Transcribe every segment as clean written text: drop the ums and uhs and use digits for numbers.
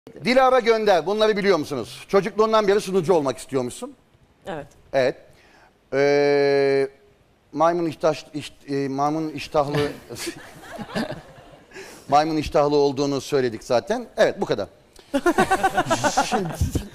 Dilara Gönder. Bunları biliyor musunuz? Çocukluğundan beri sunucu olmak istiyormuşsun. Evet. Evet. Maymun iştahlı maymun iştahlı olduğunu söyledik zaten. Evet, bu kadar. Şimdi,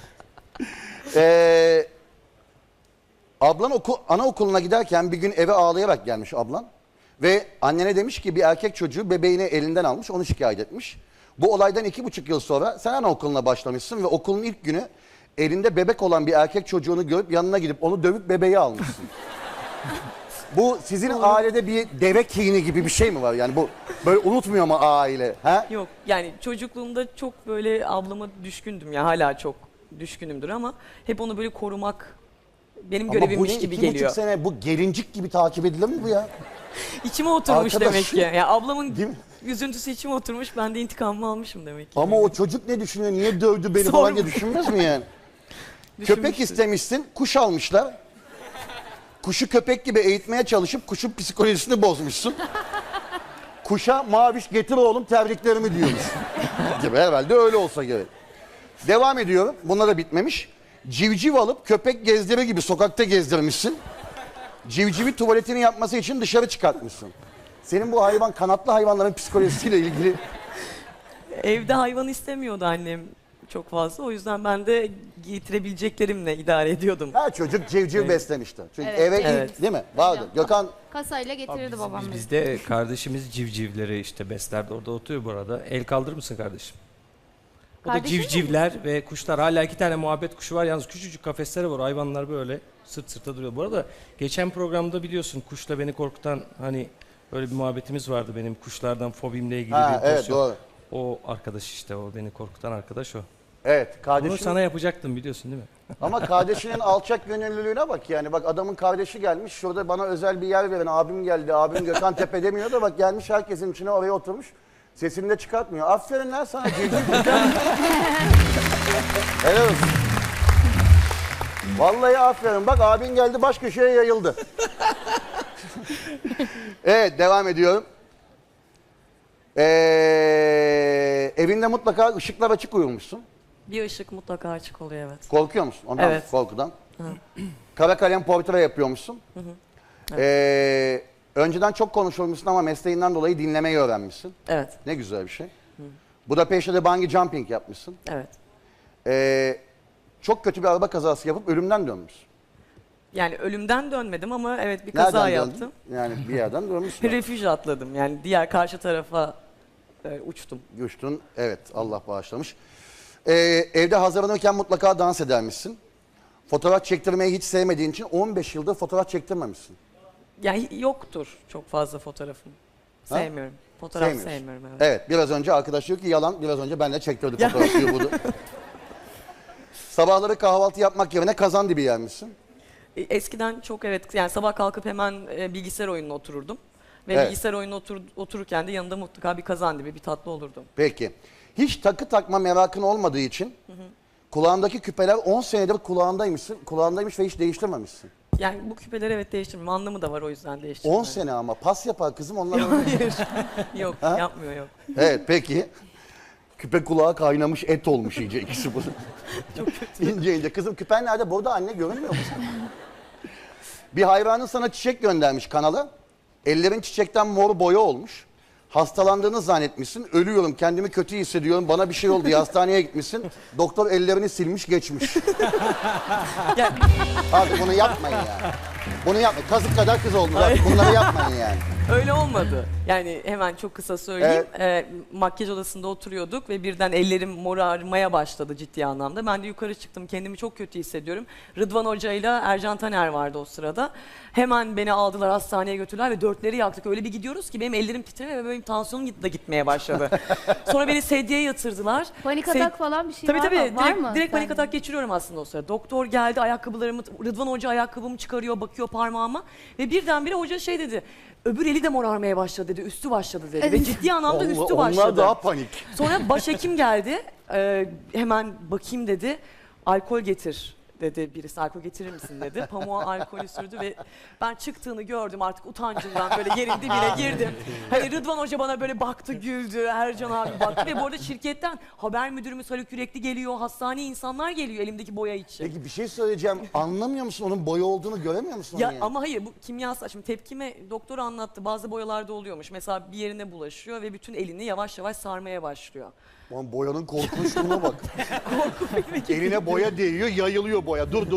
ablan anaokuluna giderken bir gün eve ağlayarak gelmiş ablan. Ve annene demiş ki bir erkek çocuğu bebeğini elinden almış, onu şikayet etmiş. Bu olaydan 2,5 yıl sonra sen anaokuluna başlamışsın ve okulun ilk günü elinde bebek olan bir erkek çocuğunu görüp yanına gidip onu dövüp bebeği almışsın. Bu sizin ailede bir deve kini gibi bir şey mi var? Yani bu böyle unutmuyor mu aile? Ha? Yok yani çocukluğumda çok böyle ablama düşkündüm ya, hala çok düşkünümdür ama hep onu böyle korumak benim görevimmiş gibi geliyor. Ama bu 2,5 sene bu gelincik gibi takip edilir mi bu ya? İçime oturmuş Arkadaş, demek ki. Ya ablamın değil mi? üzüntüsü içime oturmuş, ben de intikamımı almışım demek ki. Ama o çocuk ne düşünüyor? Niye dövdü beni falan diye düşünmez mi yani? Köpek istemişsin, kuş almışlar. Kuşu köpek gibi eğitmeye çalışıp kuşun psikolojisini bozmuşsun. Kuşa maviş getir oğlum tebriklerimi diyormuş. Gibi herhalde öyle olsa gerek. Devam ediyorum. Bunlar da bitmemiş. Civciv alıp köpek gezdirir gibi sokakta gezdirmişsin. Civcivi tuvaletini yapması için dışarı çıkartmışsın. Senin bu hayvan, kanatlı hayvanların psikolojisiyle ilgili... Evde hayvan istemiyordu annem çok fazla. O yüzden ben de getirebileceklerimle idare ediyordum. Her çocuk civciv beslemişti. Çünkü Evet. eve Evet. ilk değil mi? Vardı. Gökhan Kasayla getirirdi babam beni. Bizde kardeşimiz civcivleri işte beslerdi, orada oturuyor bu arada. El kaldırır mısın kardeşim? O da Kardeşin mi? civcivler ve kuşlar. Hala 2 tane muhabbet kuşu var. Yalnız küçücük kafesleri var. Hayvanlar böyle sırt sırta duruyor. Bu arada geçen programda biliyorsun kuşla beni korkutan hani böyle bir muhabbetimiz vardı benim kuşlardan fobimle ilgili Ha, bir evet, pozisyon. doğru. O arkadaş işte, o beni korkutan arkadaş o. evet Bunu kardeşim sana yapacaktım biliyorsun değil mi? ama kardeşinin alçak gönüllülüğüne bak yani. Bak adamın kardeşi gelmiş şurada bana özel bir yer verin, abim geldi, abim Gökhan Tepe demiyor da bak gelmiş herkesin içine oraya oturmuş. Sesini de çıkartmıyor. Aferin lan sana civciv. Helal olsun. Vallahi aferin. Bak abin geldi baş köşeye yayıldı. Evet, devam ediyorum. Evinde mutlaka ışıklar açık uyumuşsun. Bir ışık mutlaka açık oluyor, evet. Korkuyor musun ondan? Evet. Korkudan. Kara kalem portre yapıyormuşsun. Önceden çok konuşulmuşsun ama mesleğinden dolayı dinlemeyi öğrenmişsin. Evet, Ne güzel bir şey. Budapeşte'de bungee jumping yapmışsın. evet. Çok kötü bir araba kazası yapıp ölümden dönmüşsün. Yani ölümden dönmedim ama evet bir kaza Nereden yaptım. döndün? Yani bir yerden dönmüşsün. Refüj atladım, yani diğer karşı tarafa uçtum. Düştün. Evet, Allah bağışlamış. Evde hazırlanırken mutlaka dans edermişsin. Fotoğraf çektirmeyi hiç sevmediğin için 15 yıldır fotoğraf çektirmemişsin. Yani yoktur çok fazla fotoğrafım. Ha? Sevmiyorum. Fotoğraf Sevmiyorsun. sevmiyorum, evet. Evet, biraz önce arkadaş diyor ki yalan, biraz önce benle çektirdik fotoğrafı diyor bunu. Sabahları kahvaltı yapmak yerine kazan dibi yermişsin. Eskiden çok, evet, yani sabah kalkıp hemen bilgisayar oyununa otururdum. Ve Evet. bilgisayar oyununa otururken de yanında mutlaka bir kazandibi, bir tatlı olurdu. Peki. Hiç takı takma merakın olmadığı için kulağındaki küpeler 10 senedir kulağındaymış ve hiç değiştirmemişsin. Yani bu küpeleri evet değiştirmiyorum. Anlamı da var, o yüzden değiştirmiyorum. 10 sene ama pas yapar kızım onlar. Hayır. Yok, Ha? yapmıyor, yok. Evet, peki. Küpe kulağa kaynamış et olmuş iyice ikisi bunu. Çok kötü. İnce ince. Kızım küpen nerede? Burada anne görünmüyor musun? Bir hayvanın sana çiçek göndermiş kanala. Ellerin çiçekten mor boya olmuş. Hastalandığını zannetmişsin. Ölüyorum, kendimi kötü hissediyorum. Bana bir şey oldu diye hastaneye gitmişsin. Doktor ellerini silmiş geçmiş. Ya, Artık bunu yapmayın yani. Bunu yapmayın. Kazık kadar kız oldunuz artık. Bunları yapmayın yani. öyle olmadı. Yani hemen çok kısa söyleyeyim. Makyaj odasında oturuyorduk ve birden ellerim morarmaya başladı ciddi anlamda. Ben de yukarı çıktım. Kendimi çok kötü hissediyorum. Rıdvan Hoca ile Ercan Taner vardı o sırada. Hemen beni aldılar, hastaneye götürdüler ve dörtleri yaktık. Öyle bir gidiyoruz ki benim ellerim titremeye ve benim tansiyonum da gitmeye başladı. Sonra beni sedyeye yatırdılar. Panik atak falan bir şey Tabii var tabii. mı? Var mı? Direkt panik Sen- atak geçiriyorum aslında o sırada. Doktor geldi, ayakkabılarımı, Rıdvan Hoca ayakkabımı çıkarıyor, bakıyor parmağıma ve birdenbire hoca şey dedi. Öbür eli de morarmaya başladı dedi, üstü başladı dedi. Ve ciddi anlamda üstü başladı. Onlar daha panik. Sonra başhekim geldi, hemen bakayım dedi, alkol getir dedi birisi, alkol getirir misin dedi. Pamuğa alkolü sürdü ve ben çıktığını gördüm, artık utancımdan böyle yerin dibine girdim. Hani Rıdvan Hoca bana böyle baktı, güldü, Ercan abi baktı ve bu arada şirketten haber müdürümüz Haluk Yürekli geliyor, hastaneye insanlar geliyor elimdeki boya için. Peki bir şey söyleyeceğim. Anlamıyor musun? Onun boya olduğunu göremiyor musun? Ya onu yani? ama hayır, bu kimyasal. Şimdi tepkime doktor anlattı, bazı boyalarda oluyormuş. Mesela bir yerine bulaşıyor ve bütün elini yavaş yavaş sarmaya başlıyor. Lan boyanın korkunçluğuna bak. Eline boya değiyor, yayılıyor boya. Dur.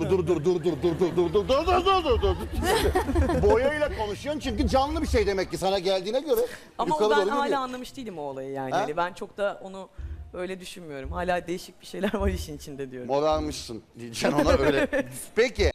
Boyayla konuşuyorsun çünkü canlı bir şey demek ki sana geldiğine göre. Ama yukarı o ben doğru hala gidiyor. anlamış değilim o olayı yani. Ha? Yani ben çok da onu öyle düşünmüyorum. Hala değişik bir şeyler var işin içinde diyorum. Morarmışsın diyeceksin ona öyle. Peki